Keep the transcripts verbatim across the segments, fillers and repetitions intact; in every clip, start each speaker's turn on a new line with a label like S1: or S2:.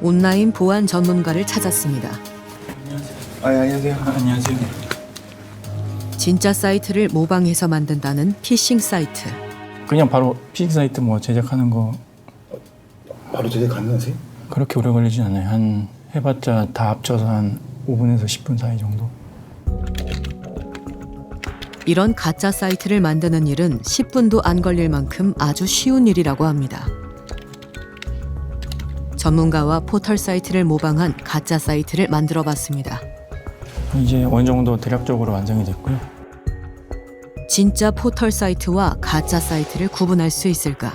S1: 온라인 보안 전문가를 찾았습니다.
S2: 아, 예, 안녕하세요.
S3: 아, 안녕하세요.
S1: 진짜 사이트를 모방해서 만든다는 피싱 사이트.
S3: 그냥 바로 피싱 사이트 뭐 제작하는 거
S2: 바로 제작 가능하세요?
S3: 그렇게 오래 걸리진 않아요. 한 해봤자 다 합쳐서 한 오 분에서 십 분 사이 정도.
S1: 이런 가짜 사이트를 만드는 일은 십 분도 안 걸릴 만큼 아주 쉬운 일이라고 합니다. 전문가와 포털 사이트를 모방한 가짜 사이트를 만들어 봤습니다.
S3: 이제 어느 정도 대략적으로 완성이 됐고요.
S1: 진짜 포털 사이트와 가짜 사이트를 구분할 수 있을까?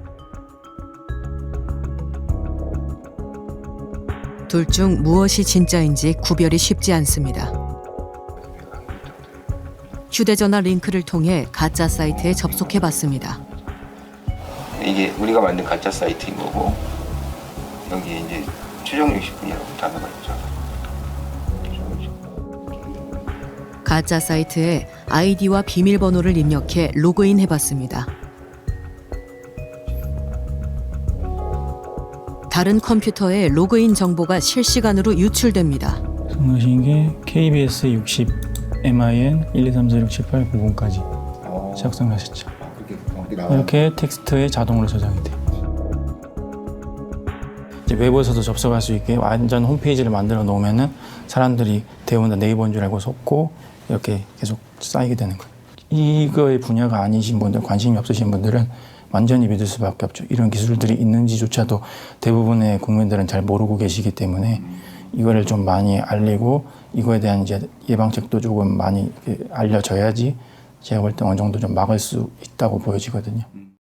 S1: 둘 중 무엇이 진짜인지 구별이 쉽지 않습니다. 휴대전화 링크를 통해 가짜 사이트에 접속해 봤습니다.
S4: 이게 우리가 만든 가짜 사이트인 거고 여기 이제 최종 육십 분이라고 단어가 있죠.
S1: 가짜 사이트에 아이디와 비밀번호를 입력해 로그인 해봤습니다. 다른 컴퓨터에 로그인 정보가 실시간으로 유출됩니다.
S3: 성하신 게 케이비에스 육십 엠아이엔 일 이 삼 사 육 칠 팔 구 번까지
S2: 어,
S3: 작성하셨죠.
S2: 아, 그렇게 정확히 나와요?
S3: 이렇게 텍스트에 자동으로 저장이 돼요. 이제 외부에서도 접속할 수 있게 완전 홈페이지를 만들어 놓으면은 사람들이 대부분 네이버인 줄 알고 속고 이렇게 계속 쌓이게 되는 거예요. 이거의 분야가 아니신 분들, 관심이 없으신 분들은 완전히 믿을 수밖에 없죠. 이런 기술들이 있는지조차도 대부분의 국민들은 잘 모르고 계시기 때문에 이거를 좀 많이 알리고 이거에 대한 이제 예방책도 조금 많이 알려져야지 제가 볼 때 어느 정도 좀 막을 수 있다고 보여지거든요.